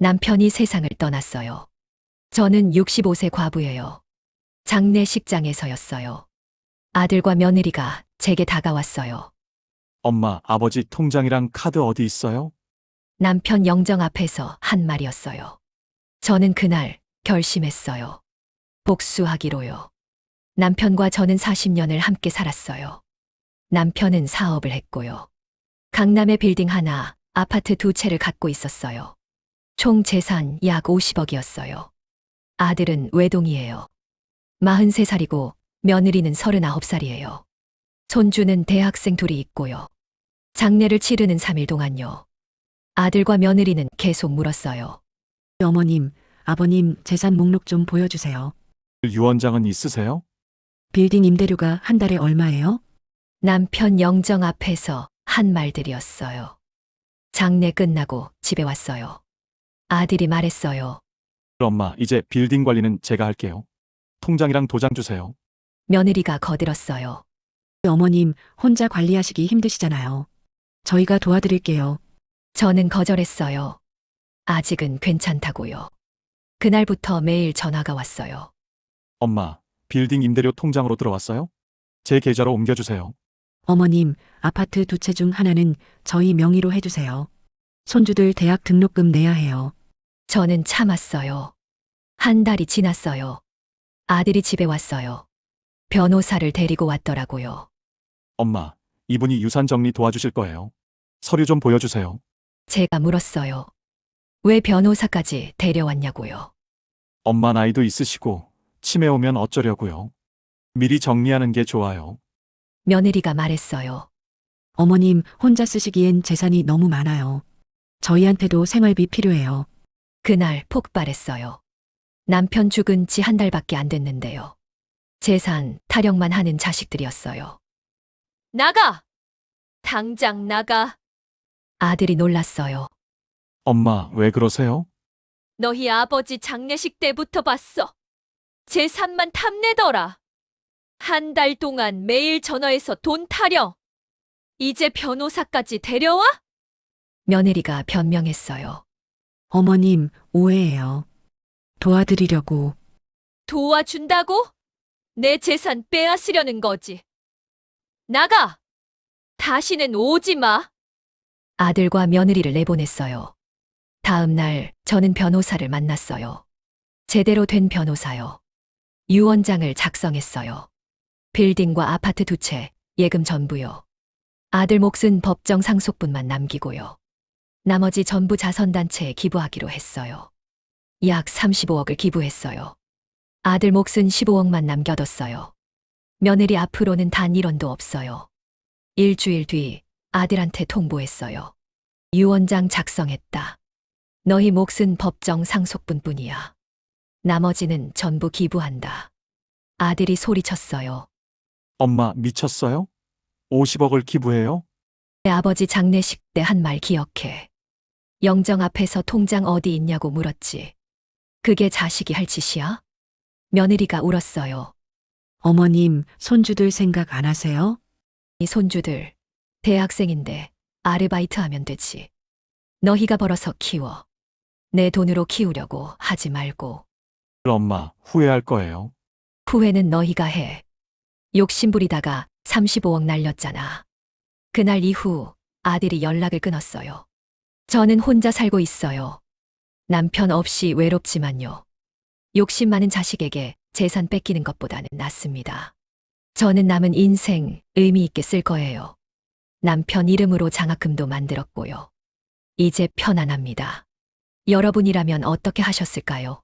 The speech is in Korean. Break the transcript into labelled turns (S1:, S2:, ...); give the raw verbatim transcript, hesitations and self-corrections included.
S1: 남편이 세상을 떠났어요. 저는 육십오 세 과부예요. 장례식장에서였어요. 아들과 며느리가 제게 다가왔어요.
S2: 엄마, 아버지 통장이랑 카드 어디 있어요?
S1: 남편 영정 앞에서 한 말이었어요. 저는 그날 결심했어요. 복수하기로요. 남편과 저는 사십 년을 함께 살았어요. 남편은 사업을 했고요. 강남에 빌딩 하나, 아파트 두 채를 갖고 있었어요. 총 재산 약 오십억이었어요. 아들은 외동이에요. 마흔세 살이고 며느리는 서른아홉 살이에요. 손주는 대학생 둘이 있고요. 장례를 치르는 삼 일 동안요. 아들과 며느리는 계속 물었어요.
S3: 어머님, 아버님 재산 목록 좀 보여주세요.
S2: 유언장은 있으세요?
S3: 빌딩 임대료가 한 달에 얼마예요?
S1: 남편 영정 앞에서 한 말들이었어요. 장례 끝나고 집에 왔어요. 아들이 말했어요.
S2: 엄마, 이제 빌딩 관리는 제가 할게요. 통장이랑 도장 주세요.
S1: 며느리가 거들었어요.
S3: 어머님, 혼자 관리하시기 힘드시잖아요. 저희가 도와드릴게요.
S1: 저는 거절했어요. 아직은 괜찮다고요. 그날부터 매일 전화가 왔어요.
S2: 엄마, 빌딩 임대료 통장으로 들어왔어요? 제 계좌로 옮겨주세요.
S3: 어머님, 아파트 두 채 중 하나는 저희 명의로 해주세요. 손주들 대학 등록금 내야 해요.
S1: 저는 참았어요. 한 달이 지났어요. 아들이 집에 왔어요. 변호사를 데리고 왔더라고요.
S2: 엄마, 이분이 유산 정리 도와주실 거예요. 서류 좀 보여주세요.
S1: 제가 물었어요. 왜 변호사까지 데려왔냐고요.
S2: 엄마 나이도 있으시고 치매 오면 어쩌려고요. 미리 정리하는 게 좋아요.
S1: 며느리가 말했어요.
S3: 어머님, 혼자 쓰시기엔 재산이 너무 많아요. 저희한테도 생활비 필요해요.
S1: 그날 폭발했어요. 남편 죽은 지 한 달밖에 안 됐는데요. 재산 타령만 하는 자식들이었어요. 나가! 당장 나가! 아들이 놀랐어요.
S2: 엄마, 왜 그러세요?
S1: 너희 아버지 장례식 때부터 봤어. 재산만 탐내더라. 한 달 동안 매일 전화해서 돈 타령. 이제 변호사까지 데려와? 며느리가 변명했어요.
S3: 어머님, 오해예요. 도와드리려고.
S1: 도와준다고? 내 재산 빼앗으려는 거지. 나가! 다시는 오지 마! 아들과 며느리를 내보냈어요. 다음 날 저는 변호사를 만났어요. 제대로 된 변호사요. 유언장을 작성했어요. 빌딩과 아파트 두 채, 예금 전부요. 아들 몫은 법정 상속분만 남기고요. 나머지 전부 자선단체에 기부하기로 했어요. 약 삼십오억을 기부했어요. 아들 몫은 십오억만 남겨뒀어요. 며느리 앞으로는 단 일 원도 없어요. 일주일 뒤 아들한테 통보했어요. 유언장 작성했다. 너희 몫은 법정 상속분뿐이야. 나머지는 전부 기부한다. 아들이 소리쳤어요.
S2: 엄마, 미쳤어요? 오십억을 기부해요?
S1: 내 아버지 장례식 때 한 말 기억해. 영정 앞에서 통장 어디 있냐고 물었지. 그게 자식이 할 짓이야? 며느리가 울었어요.
S3: 어머님, 손주들 생각 안 하세요?
S1: 이 손주들, 대학생인데 아르바이트 하면 되지. 너희가 벌어서 키워. 내 돈으로 키우려고 하지 말고.
S2: 엄마, 후회할 거예요.
S1: 후회는 너희가 해. 욕심부리다가 삼십오억 날렸잖아. 그날 이후 아들이 연락을 끊었어요. 저는 혼자 살고 있어요. 남편 없이 외롭지만요. 욕심 많은 자식에게 재산 뺏기는 것보다는 낫습니다. 저는 남은 인생 의미 있게 쓸 거예요. 남편 이름으로 장학금도 만들었고요. 이제 편안합니다. 여러분이라면 어떻게 하셨을까요?